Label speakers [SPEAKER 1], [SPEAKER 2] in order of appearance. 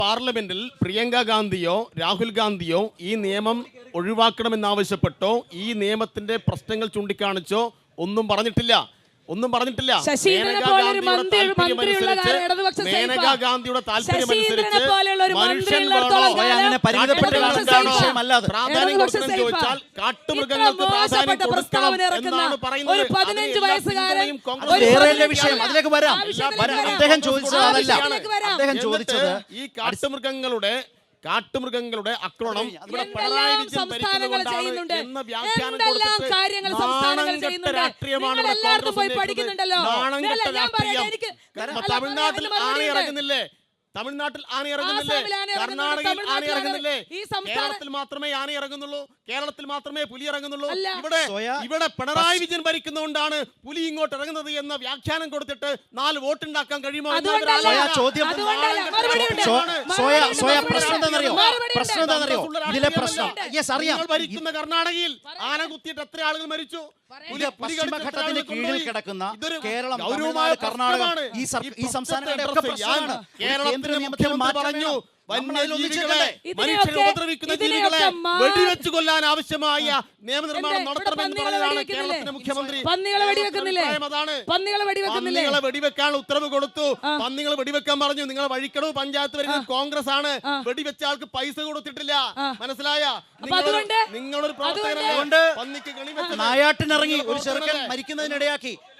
[SPEAKER 1] പാർലമെന്റിൽ പ്രിയങ്ക ഗാന്ധിയോ രാഹുൽ ഗാന്ധിയോ ഈ നിയമം ഒഴിവാക്കണമെന്നാവശ്യപ്പെട്ടോ ഈ നിയമത്തിന്റെ പ്രശ്നങ്ങൾ ചൂണ്ടിക്കാണിച്ചോ ഒന്നും പറഞ്ഞിട്ടില്ല. മേനകാ ഗാന്ധിയുടെ താല്പര്യമനുസരിച്ച് മനുഷ്യൻ പ്രാധാന്യം കൊടുക്കണം ചോദിച്ചാൽ കാട്ടുമൃഗങ്ങൾക്ക് പ്രാധാന്യം കൊടുക്കണം എന്നാണ് പറയുന്നത്. ഈ കാട്ടുമൃഗങ്ങളുടെ ആക്രമണം ഇവിടെ പിണറായി വിജയൻ ഭരിക്കുന്നതുകൊണ്ടാണ് എന്ന വ്യാഖ്യാനം കൊടുത്തിട്ട് രാഷ്ട്രീയമാണ് തമിഴ്നാട്ടിൽ ആന ഇറങ്ങുന്നില്ലേ? കർണാടകയിൽ ആന ഇറങ്ങുന്നില്ലേ? കേരളത്തിൽ മാത്രമേ ആന ഇറങ്ങുന്നുള്ളൂ, കേരളത്തിൽ മാത്രമേ പുലി ഇറങ്ങുന്നുള്ളൂ. ഇവിടെ പിണറായി വിജയൻ ഭരിക്കുന്നതുകൊണ്ടാണ് പുലി ഇങ്ങോട്ട് ഇറങ്ങുന്നത് എന്ന വ്യാഖ്യാനം കൊടുത്തിട്ട് 4 വോട്ടുണ്ടാക്കാൻ കഴിയുമോ? ഭരിക്കുന്ന കർണാടകയിൽ ആന കുത്തിയിട്ട് എത്ര ആളുകൾ മരിച്ചു?
[SPEAKER 2] പശ്ചിമഘട്ടത്തിന് കീഴിൽ കിടക്കുന്ന കേരളം, തമിഴ്നാട്, കർണാടക ഈ സംസ്ഥാനങ്ങളുടെ
[SPEAKER 1] കേരളത്തിന്റെ മുഖ്യമന്ത്രി പറഞ്ഞു വന്യജീവികളെ, മനുഷ്യരെ ഉപദ്രവിക്കുന്ന ജീവികളെ വെടിവെച്ചു കൊല്ലാൻ ആവശ്യമായ നിയമനിർമ്മാണം നടത്തണമെന്ന് പറഞ്ഞതാണ് കേരളത്തിന്റെ മുഖ്യമന്ത്രി.
[SPEAKER 3] പന്നികളെ
[SPEAKER 1] വെടിവെക്കാൻ ഉത്തരവ് കൊടുത്തു. പന്നികൾ വെടിവെക്കാൻ പറഞ്ഞു. നിങ്ങൾ വഴിക്കടവ് പഞ്ചായത്ത് വരുന്നത് കോൺഗ്രസ് ആണ്. വെടിവെച്ച ആൾക്ക് പൈസ കൊടുത്തിട്ടില്ല. മനസ്സിലായ? നിങ്ങളൊരു പ്രവർത്തകനുണ്ട്. പന്നിക്ക് കണി വെച്ച്
[SPEAKER 2] നായാട്ടിനിറങ്ങി ഒരു ചെറുക്കൻ മരിക്കുന്നതിനിടയാക്കി.